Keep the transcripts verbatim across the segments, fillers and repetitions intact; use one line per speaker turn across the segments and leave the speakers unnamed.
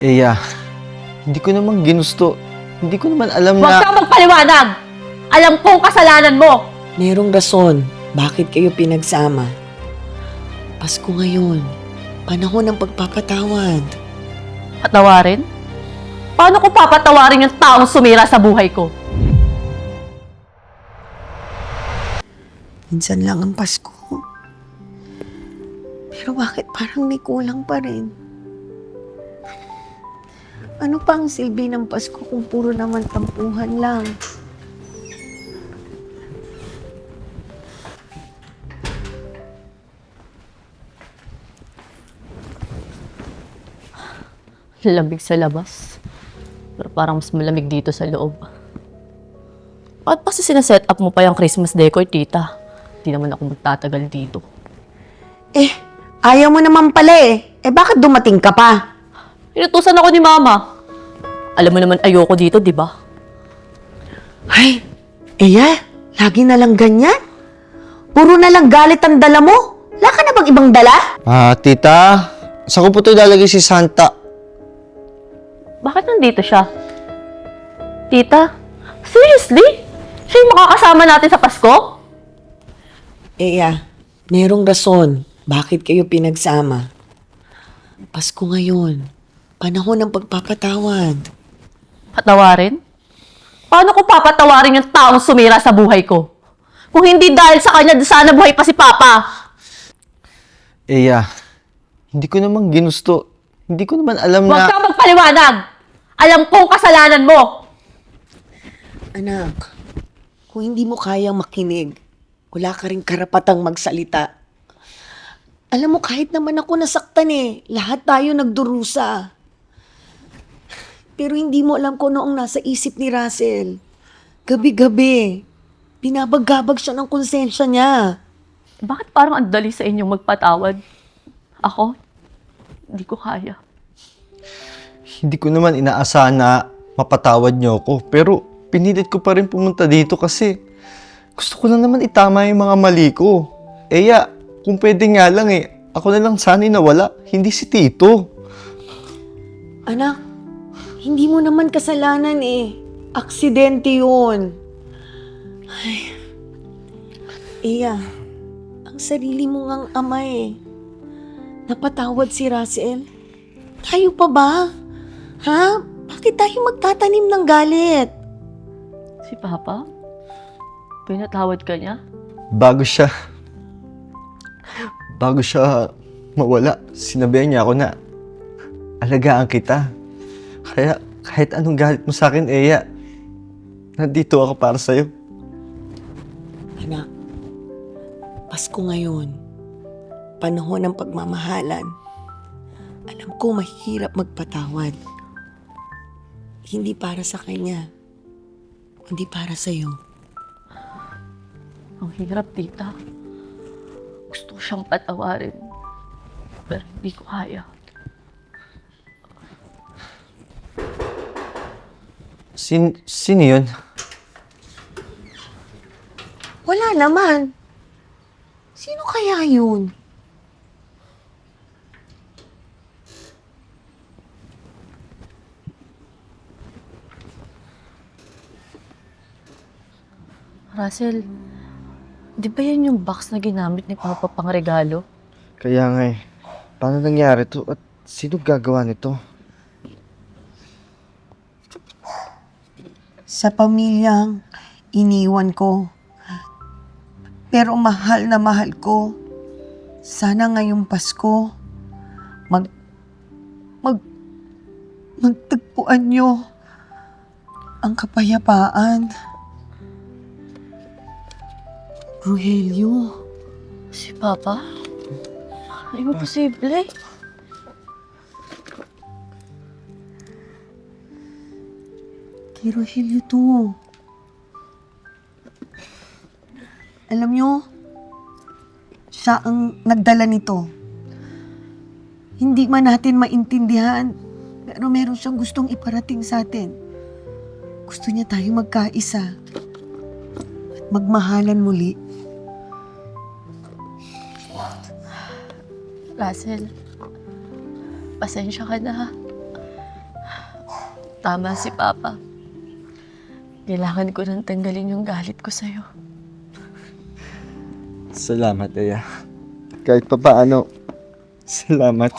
Eya, hindi ko naman ginusto. Hindi ko naman alam
Huwag
na...
kang magpaliwanag! Alam kong kasalanan mo!
Merong rason bakit kayo pinagsama. Pasko ngayon, panahon ng pagpapatawad.
Patawarin? Paano ko papatawarin yung taong sumira sa buhay ko?
Minsan lang ang Pasko. Pero bakit parang may kulang pa rin? Ano pa ang silbi ng Pasko kung puro naman tampuhan lang?
Lamig sa labas. Pero parang mas malamig dito sa loob. Bakit pa sinaset up mo pa yung Christmas decor, tita? Hindi naman ako magtatagal dito.
Eh, ayaw mo naman pala eh. Eh bakit dumating ka pa?
Inutusan ako ni mama. Alam mo naman ayoko dito, di ba?
Ay, Eya, lagi na lang ganyan? Puro na lang galit ang dala mo? Wala ka na bang ibang dala?
Ah, tita, saan ko po ito ilalagay si Santa?
Bakit nandito siya? Tita, seriously? Siya yung makakasama natin sa Pasko?
Eya, merong rason bakit kayo pinagsama. Pasko ngayon, panahon ng pagpapatawad.
Patawarin? Paano ko papatawarin yung taong sumira sa buhay ko? Kung hindi dahil sa kanya, sana buhay pa si Papa.
Eya, hindi ko naman ginusto. Hindi ko naman alam
Huwag
na...
kang magpaliwanag! Alam kong kasalanan mo!
Anak, kung hindi mo kayang makinig, wala ka rin karapatang magsalita. Alam mo, kahit naman ako nasaktan eh, lahat tayo nagdurusa. Pero hindi mo alam kung ano ang nasa isip ni Russell. Gabi-gabi, binabagabag siya ng konsensya niya.
Bakit parang ang dali sa inyong magpatawad? Ako? Hindi ko kaya.
Hindi ko naman inaasahan na mapatawad niyo ako. Pero pinilit ko pa rin pumunta dito kasi gusto ko lang naman itama yung mga mali ko. Eya, kung pwede nga lang eh, ako na lang sana'y nawala, hindi si Tito.
Anak, hindi mo naman kasalanan eh. Aksidente yun. Ay, Iya, ang sarili mo ngang ama eh. Napatawad si Russell. Tayo pa ba? Ha? Bakit tayo magtatanim ng galit?
Si Papa? Pinatawad ka niya?
Bago siya, bago siya mawala, sinabihan niya ako na alagaan kita. Kaya kahit anong galit mo sa akin, Eya, nandito ako para sa'yo.
Anak, Pasko ngayon. Panahon ng pagmamahalan. Alam ko mahirap magpatawad. Hindi para sa kanya, kundi para sa'yo.
Ang hirap, tita. Gusto ko siyang patawarin. Pero hindi ko kaya.
Sin, sino yun?
Wala naman. Sino kaya yun?
Russell, di ba yan yung box na ginamit ni Papa pang regalo?
Kaya nga eh, paano nangyari to at sino gagawa nito?
Sa pamilyang iniwan ko. Pero mahal na mahal ko. Sana ngayong Pasko, mag, mag, magtagpuan nyo ang kapayapaan. Rogelio,
Si Papa? Imposible.
kay Rogelio to. Alam nyo, siya ang nagdala nito. Hindi man natin maintindihan, pero meron siyang gustong iparating sa atin. Gusto niya tayo magkaisa at magmahalan muli.
Russell, pasensya ka na ha. Tama si Papa. Kailangan ko nang tanggalin yung galit ko sa'yo.
Salamat, Aya. Kahit pa paano, salamat.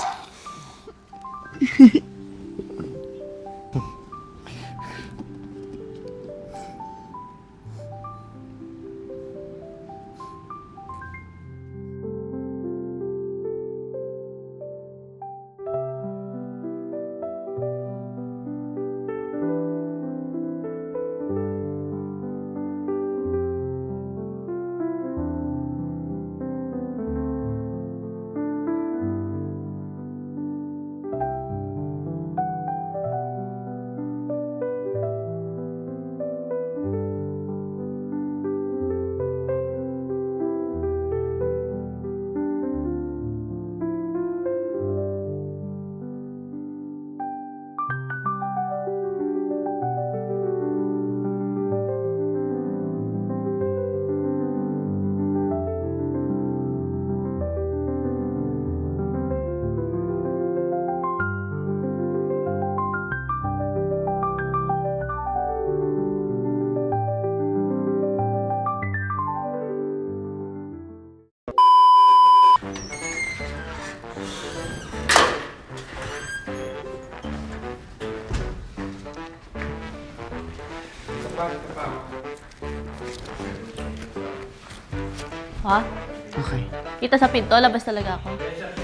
Ha?
Okay.
Kita sa pinto, labas talaga ako.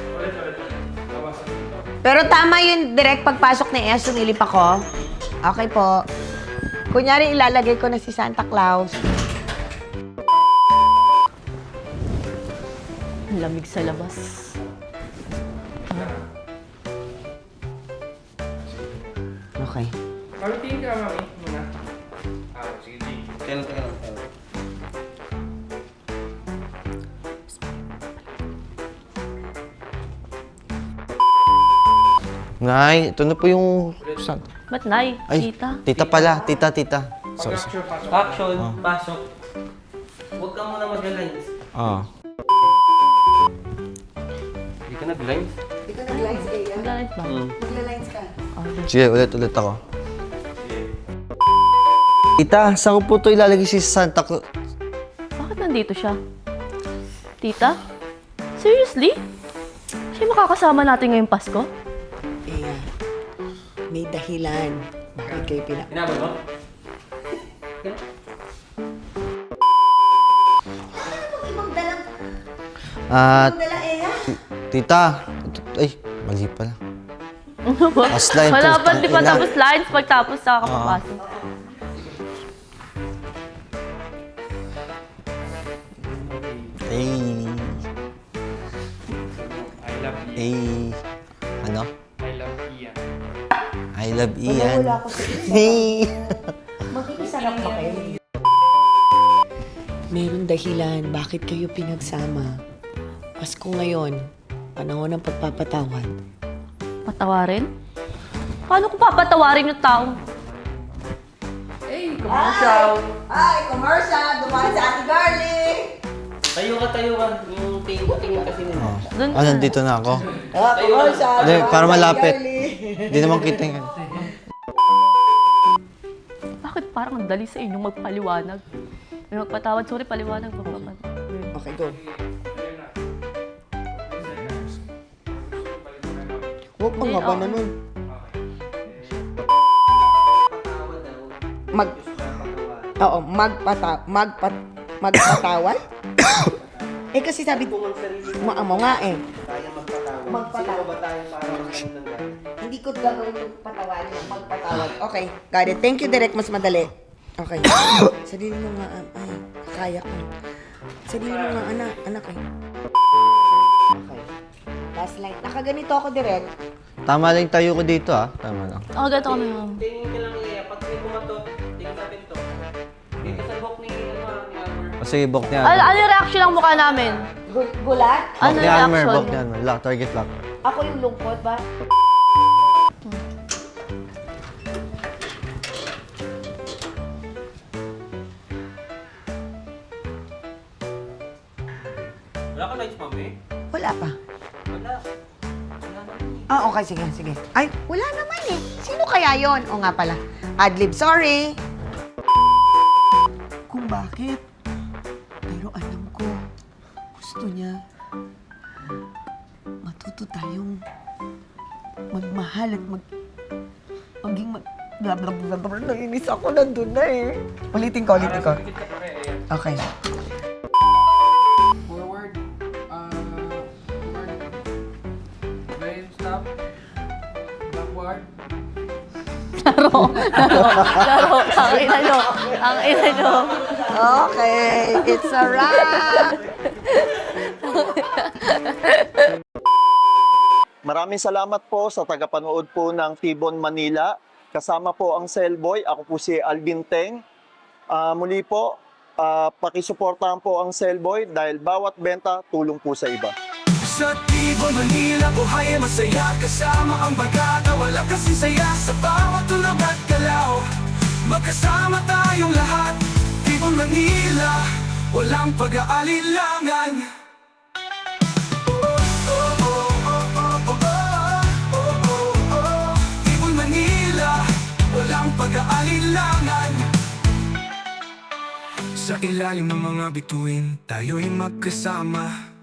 Pero tama yun, direct pagpasok ni Ea, sumilip ako. Okay po. Kunyari, ilalagay ko na si Santa Claus.
Ang lamig sa labas.
Okay.
Mami, tingin ka, Mami. Muna. Ah, sige, sige. Kailan, kailan, kailan.
Nay, ito na po yung... San...
Ba't, Nay?
Ay,
Tita?
tita pala. Tita, tita. Sorry, sorry.
Pag-action, pasok.
Action, pasok. Huwag ka muna mag-lines.
Ah.
Hindi ka nag-lines?
Hindi ka nag-lines, Ea.
Maglalait ba?
Hmm.
Magla-lines ka.
Sige, ulit, ulit ako. Tita, saan ko po ito ilalagay si Santa Claus?
Bakit nandito siya? Tita? Seriously? Siya yung makakasama natin ngayong Pasko?
Ea, may dahilan. Bakit kayo pina...
Inabot mo?
Ah,
Dala, Ea?
tita. Ito- Ay, mali pala.
Ano ba?
Last line,
Wala
putang
pa, di pa
ina.
tapos lines. Pagtapos, saka kapapasok.
Ay,
I love you.
ay, ano?
I love Ian.
I love Ian.
Wala ako sa
Hey.
Makikisarap ba kayo? Meron dahilan bakit kayo pinagsama. Pasko ngayon, panahon ng pagpapatawad.
Patawarin? Paano ko papatawarin yung tao?
Hey, commercial!
Ay, commercial! Dumaan sa Ate Garlic!
Tayo ka, tayo ka. Yung tingin-tingin kasi nila.
Oh.
Dun
Ah, nandito na ako.
Ah, commercial!
Hindi,
Dumaan
para
sa Ate
malapit.
Garlic.
Hindi naman kita yung...
Bakit parang ang dali sa inyong magpaliwanag? May magpatawad, sorry, paliwanag. Magpapatawad.
Okay, go. Huwag pang
Hindi,
haba na
okay.
nun.
Patawad daw.
Mag... Oo, magpata... Magpat... Magpatawad? eh kasi sabi... Mo mo nga eh.
Kaya magpatawad.
Magpatawad.
Sino ba tayo para magkaroon ng galit?
Hindi ko gagawin yung patawad, yung magpatawad. Okay, got it. Thank you, Direk. Mas madali. Okay. Sarili mo nga, ah, ay, kaya ko. Sarili mo nga, anak, anak eh. Okay. Last line. Nakaganito ako, Direk.
Tama lang yung tayo ko dito, ah. Tama lang.
Ako, ganito kami. ma'am.
Tingin ka lang iya. Pag may bumato, tingin sa pinto. Dito sa book ni ano, ni Albert.
O sige, bok niya.
Ano, ano yung reaction ng mukha namin?
Gu- gulat?
Bok
Ano
ni
yung
Almer,
reaction?
bok ni Almer. Lock, target lock.
Ako yung lungkot ba?
Wala ka lines, mami?
Wala pa.
Wala. Wala naman eh.
Ah, okay. Sige, sige. Ay, wala naman eh. Sino kaya mamaya yon. O nga pala, adlib, sorry. Kung bakit. Pero alam ko, gusto niya. Matuto tayong magmahal at mag... maging mag... Blah, blah, blah, blah. Nainis ako, nandun na eh. Ulitin ko, ulitin ko.
Dikit ka pa rin, ayan.
Okay.
Forward. Uh, forward. Then stop. Backward.
Laro, laro, laro. Ang ina nyo. Ang ina nyo.
Okay, it's a wrap!
Maraming salamat po sa tagapanood po ng Tibon Manila. Kasama po ang Cellboy. Ako po si Alvin Teng. Ah, muli po, ah, pakisuportahan po ang Cellboy dahil bawat benta tulong po sa iba.
Sa Tibon, Manila, buhay ay masaya. Kasama ang bagata, wala kasing saya. Sa bawat tulog at galaw, magkasama tayong lahat. Tibon, Manila, walang pag-aalilangan. Tibon, Manila, walang pag-aalilangan. Sa ilalim ng mga bituin, tayo'y magkasama.